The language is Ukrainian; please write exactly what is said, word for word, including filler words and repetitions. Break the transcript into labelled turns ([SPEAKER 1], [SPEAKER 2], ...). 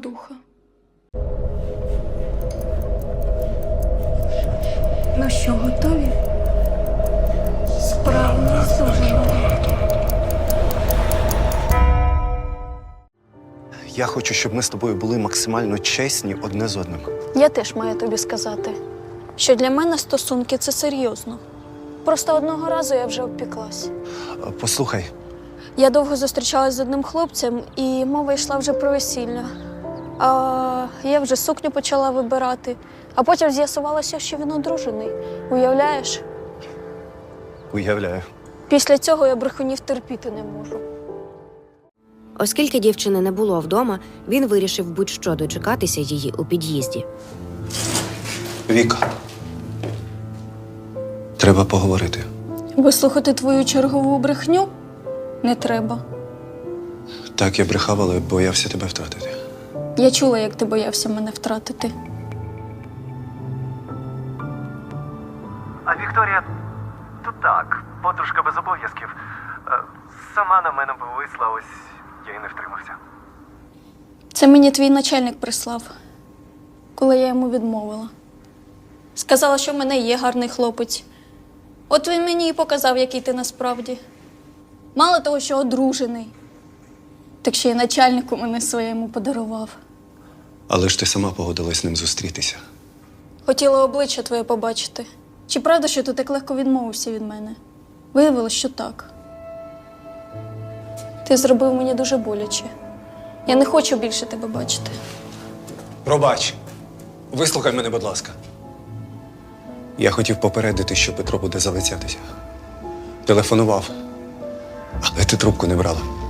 [SPEAKER 1] духа. Ну що, готові? Справа у нас дуже багато.
[SPEAKER 2] Я хочу, щоб ми з тобою були максимально чесні одне з одним.
[SPEAKER 1] Я теж маю тобі сказати, що для мене стосунки – це серйозно. Просто одного разу я вже обпіклась.
[SPEAKER 2] Е, Послухай,
[SPEAKER 1] Я довго зустрічалась з одним хлопцем, і мова йшла вже про весілля. А я вже сукню почала вибирати, а потім з'ясувалося, що він одружений. Уявляєш?
[SPEAKER 2] уявляю.
[SPEAKER 1] Після цього я брехунів терпіти не можу.
[SPEAKER 3] Оскільки дівчини не було вдома, він вирішив будь-що дочекатися її у під'їзді.
[SPEAKER 2] Віка, треба поговорити.
[SPEAKER 1] Вислухати твою чергову брехню не треба.
[SPEAKER 2] Так, я брехав, але боявся тебе втратити.
[SPEAKER 1] Я чула, як ти боявся мене втратити.
[SPEAKER 4] А Вікторія, то так, подружка без обов'язків. Е, Сама на мене повисла, ось я й не втримався.
[SPEAKER 1] Це мені твій начальник прислав, коли я йому відмовила. Сказала, що в мене є гарний хлопець. От він мені і показав, який ти насправді. Мало того, що одружений, так ще й начальнику мене своєму подарував.
[SPEAKER 2] Але ж ти сама погодилась з ним зустрітися.
[SPEAKER 1] Хотіла обличчя твоє побачити. Чи правда, що ти так легко відмовився від мене? Виявилось, що так. Ти зробив мені дуже боляче. Я не хочу більше тебе бачити.
[SPEAKER 2] Пробач. Вислухай мене, будь ласка. Я хотів попередити, що Петро буде залицятися. Телефонував, але ти трубку не брала.